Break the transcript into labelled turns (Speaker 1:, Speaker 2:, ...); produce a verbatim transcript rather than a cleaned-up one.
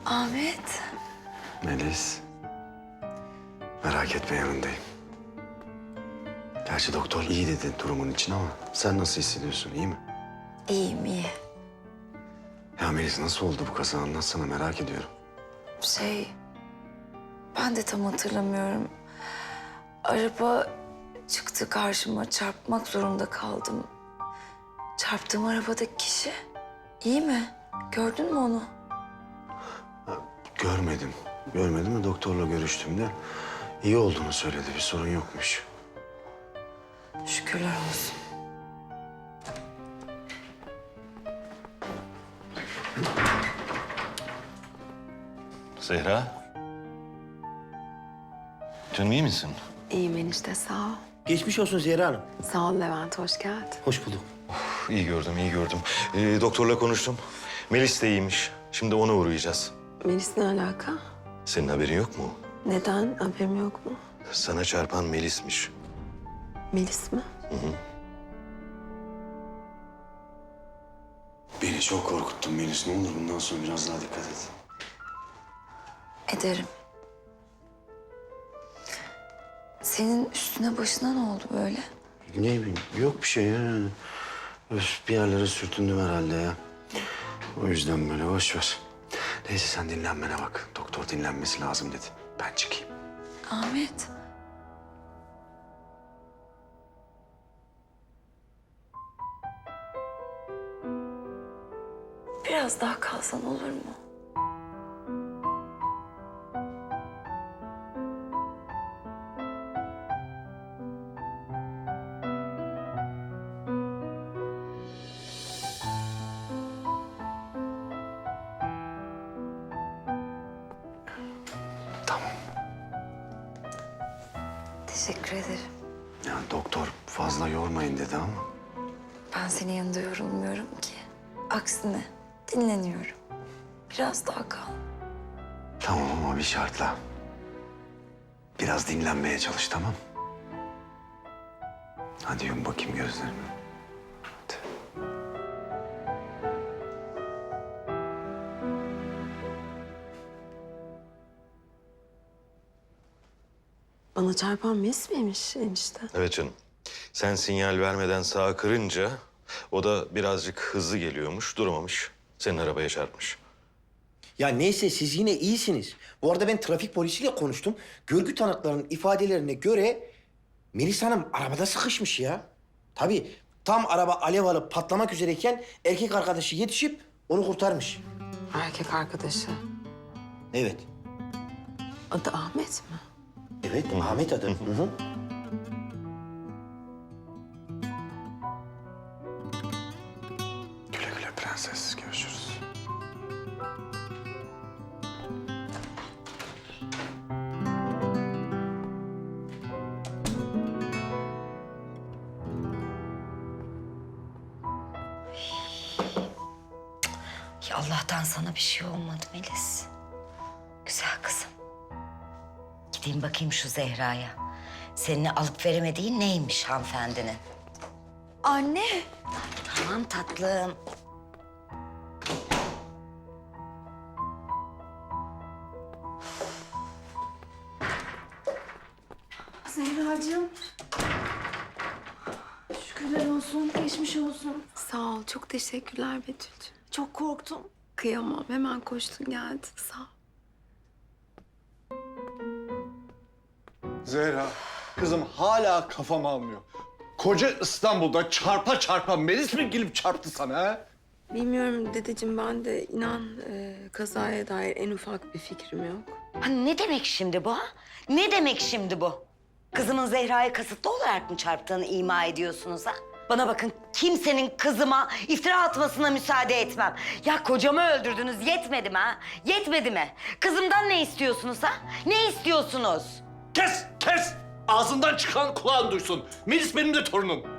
Speaker 1: Ahmet.
Speaker 2: Melis. Merak etme, yanındayım. Gerçi doktor iyi dedi durumun için ama sen nasıl hissediyorsun, iyi mi?
Speaker 1: İyiyim, iyi.
Speaker 2: Ya Melis, nasıl oldu bu kaza, anlatsana, merak ediyorum.
Speaker 1: Şey, ben de tam hatırlamıyorum. Araba çıktı karşıma, çarpmak zorunda kaldım. Çarptığım arabadaki kişi iyi mi? Gördün mü onu?
Speaker 2: Ha, görmedim. Görmedim de doktorla görüştüğümde iyi olduğunu söyledi, bir sorun yokmuş.
Speaker 1: Şükürler olsun.
Speaker 3: Zehra. Canım iyi misin?
Speaker 4: İyiyim enişte, sağ ol.
Speaker 5: Geçmiş olsun Zehra Hanım.
Speaker 4: Sağ ol Levent, hoş geldin.
Speaker 5: Hoş bulduk.
Speaker 3: İyi gördüm, iyi gördüm. Ee, doktorla konuştum. Melis de iyiymiş. Şimdi ona uğrayacağız.
Speaker 4: Melis ne alaka?
Speaker 3: Senin haberin yok mu?
Speaker 4: Neden? Haberim yok mu?
Speaker 3: Sana çarpan Melis'miş.
Speaker 4: Melis mi?
Speaker 2: Beni çok korkuttun Melis, ne olur bundan sonra biraz daha dikkat et.
Speaker 1: Ederim. Senin üstüne başına ne oldu böyle?
Speaker 2: Ne bileyim, yok bir şey ya. Öf, bir yerlere sürtündüm herhalde ya. O yüzden böyle, boş ver. Neyse sen dinlenmene bak. Doktor dinlenmesi lazım dedi. Ben çıkayım.
Speaker 1: Ahmet. Biraz daha kalsan olur mu?
Speaker 2: Tamam.
Speaker 1: Teşekkür ederim.
Speaker 2: Yani doktor fazla yormayın dedi ama.
Speaker 1: Ben senin yanında yorulmuyorum ki. Aksine dinleniyorum. Biraz daha kal.
Speaker 2: Tamam ama bir şartla. Biraz dinlenmeye çalış, tamam? Hadi yum bakayım gözlerimi. Hadi.
Speaker 4: Bana çarpan Melis miymiş enişte?
Speaker 3: Evet canım. Sen sinyal vermeden sağa kırınca o da birazcık hızlı geliyormuş, duramamış. Senin arabaya çarpmış.
Speaker 5: Ya neyse siz yine iyisiniz. Bu arada ben trafik polisiyle konuştum. Görgü tanıklarının ifadelerine göre Melis Hanım arabada sıkışmış ya. Tabii tam araba alev alıp patlamak üzereyken erkek arkadaşı yetişip onu kurtarmış.
Speaker 4: Erkek arkadaşı.
Speaker 5: Evet.
Speaker 4: Adı Ahmet mi?
Speaker 5: Evet, Ahmet adı. Hı hı.
Speaker 2: Güle güle prenses, görüşürüz.
Speaker 6: Ya Allah'tan sana bir şey olmadı Melis. Güzel kızım. Gideyim bakayım şu Zehra'ya. Seninle alıp veremediğin neymiş hanımefendinin?
Speaker 1: Anne.
Speaker 6: Tamam tatlım.
Speaker 7: Zehracığım. Şükürler olsun, geçmiş olsun.
Speaker 4: Sağ ol, çok teşekkürler Betül'cüğüm.
Speaker 7: Çok korktum.
Speaker 4: Kıyamam, hemen koştun geldin, sağ ol.
Speaker 8: Zehra, kızım hala kafam almıyor. Koca İstanbul'da çarpa çarpa Melis mi gelip çarptı sana ha?
Speaker 4: Bilmiyorum dedeciğim, ben de inan e, kazaya dair en ufak bir fikrim yok.
Speaker 6: Ha, ne demek şimdi bu ha? Ne demek şimdi bu? Kızımın Zehra'ya kasıtlı olarak mı çarptığını ima ediyorsunuz ha? Bana bakın, kimsenin kızıma iftira atmasına müsaade etmem. Ya kocamı öldürdünüz, yetmedi mi ha? Yetmedi mi? Kızımdan ne istiyorsunuz ha? Ne istiyorsunuz?
Speaker 8: Kes, kes! Ağzından çıkan kulağın duysun. Melis benim de torunum.